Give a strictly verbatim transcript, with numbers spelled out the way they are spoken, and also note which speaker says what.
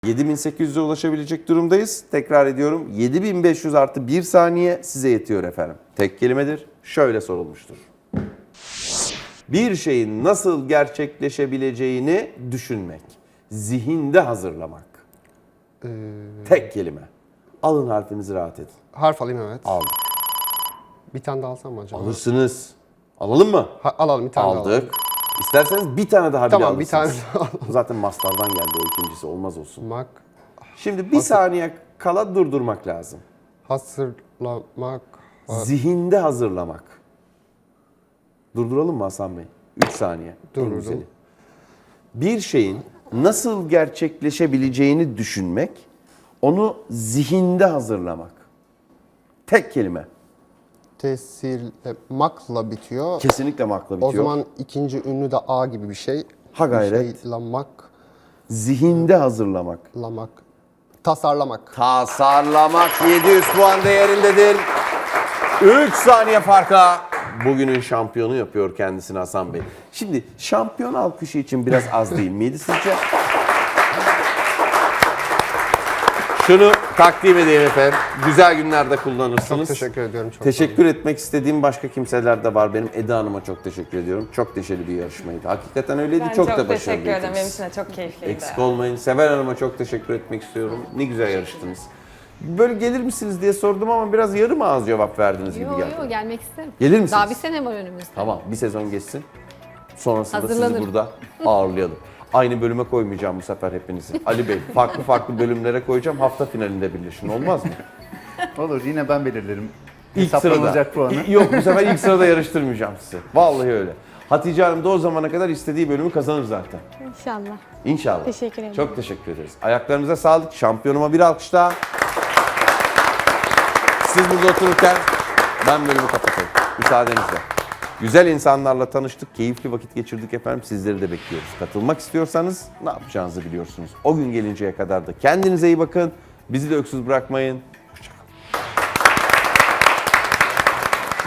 Speaker 1: yedi bin sekiz yüze ulaşabilecek durumdayız. Tekrar ediyorum. yedi bin beş yüz artı bir saniye size yetiyor efendim. Tek kelimedir. Şöyle sorulmuştur. Bir şeyin nasıl gerçekleşebileceğini düşünmek. Zihinde hazırlamak.
Speaker 2: Ee,
Speaker 1: Tek kelime. Alın harfinizi rahat edin.
Speaker 2: harf alayım evet.
Speaker 1: Aldık.
Speaker 2: Bir tane daha alsam mı acaba?
Speaker 1: Alırsınız. Alalım mı?
Speaker 2: Ha, alalım bir tane daha alalım.
Speaker 1: Aldık. İsterseniz bir tane daha bile
Speaker 2: Tamam, bir
Speaker 1: alırsınız.
Speaker 2: tane daha alalım.
Speaker 1: Zaten mastardan geldi o ikincisi. Olmaz olsun.
Speaker 2: Mak,
Speaker 1: Şimdi bir saniye kala durdurmak lazım.
Speaker 2: hazırlamak, ha-
Speaker 1: Zihinde hazırlamak. Durduralım mı Hasan Bey? üç saniye. En
Speaker 2: Durdurdum.
Speaker 1: güzeli. Bir şeyin nasıl gerçekleşebileceğini düşünmek, onu zihinde hazırlamak. Tek kelime.
Speaker 2: tesirlemakla bitiyor.
Speaker 1: Kesinlikle makla bitiyor.
Speaker 2: O zaman ikinci ünlü de A gibi bir şey.
Speaker 1: Ha gayret.
Speaker 2: Bir şey, lamak,
Speaker 1: Zihinde hazırlamak.
Speaker 2: lamak, tasarlamak.
Speaker 1: Tasarlamak yedi yüz puan değerindedir. üç saniye farka bugünün şampiyonu yapıyor kendisini Hasan Bey. Şimdi şampiyon alkışı için biraz az değil miydi sizce? Şunu takdim edeyim efendim. Güzel günlerde kullanırsınız.
Speaker 2: Çok teşekkür ediyorum. Çok
Speaker 1: Teşekkür etmek istediğim başka kimseler de var. Benim Eda Hanım'a çok teşekkür ediyorum. Çok neşeli bir yarışmaydı. Hakikaten öyleydi.
Speaker 3: Ben
Speaker 1: çok,
Speaker 3: çok,
Speaker 1: da
Speaker 3: teşekkür ederim.
Speaker 1: başarılıydınız.
Speaker 3: Benim için de çok keyifliydi.
Speaker 1: Eksik olmayın. Sever Hanım'a çok teşekkür etmek istiyorum. Ne güzel yarıştınız. Böyle gelir misiniz diye sordum ama biraz yarım ağız cevap verdiniz gibi
Speaker 4: Yo
Speaker 1: geldi.
Speaker 4: yo gelmek isterim.
Speaker 1: Gelir misiniz?
Speaker 4: Daha bir sene var önümüzde.
Speaker 1: Tamam, bir sezon geçsin. Sonrasında sizi
Speaker 4: Hazırlanırım.
Speaker 1: burada ağırlayalım. Aynı bölüme koymayacağım bu sefer hepinizi. Ali Bey, farklı farklı bölümlere koyacağım. Hafta finalinde birleşin. Olmaz mı?
Speaker 5: Olur, yine ben belirlerim.
Speaker 1: İlk sırada.
Speaker 5: Hesaplanılacak puanı.
Speaker 1: İ- Yok, bu sefer ilk sırada yarıştırmayacağım sizi. Vallahi öyle. Hatice Hanım da o zamana kadar istediği bölümü kazanır zaten.
Speaker 4: İnşallah.
Speaker 1: İnşallah.
Speaker 4: Teşekkür ederim.
Speaker 1: Çok teşekkür ederiz. Ayaklarınıza sağlık. Şampiyonuma bir alkış daha. Siz burada otururken ben bölümü kapatayım. Müsaadenizle. Güzel insanlarla tanıştık, keyifli vakit geçirdik efendim. Sizleri de bekliyoruz. Katılmak istiyorsanız ne yapacağınızı biliyorsunuz. O gün gelinceye kadar da kendinize iyi bakın. Bizi de öksüz bırakmayın.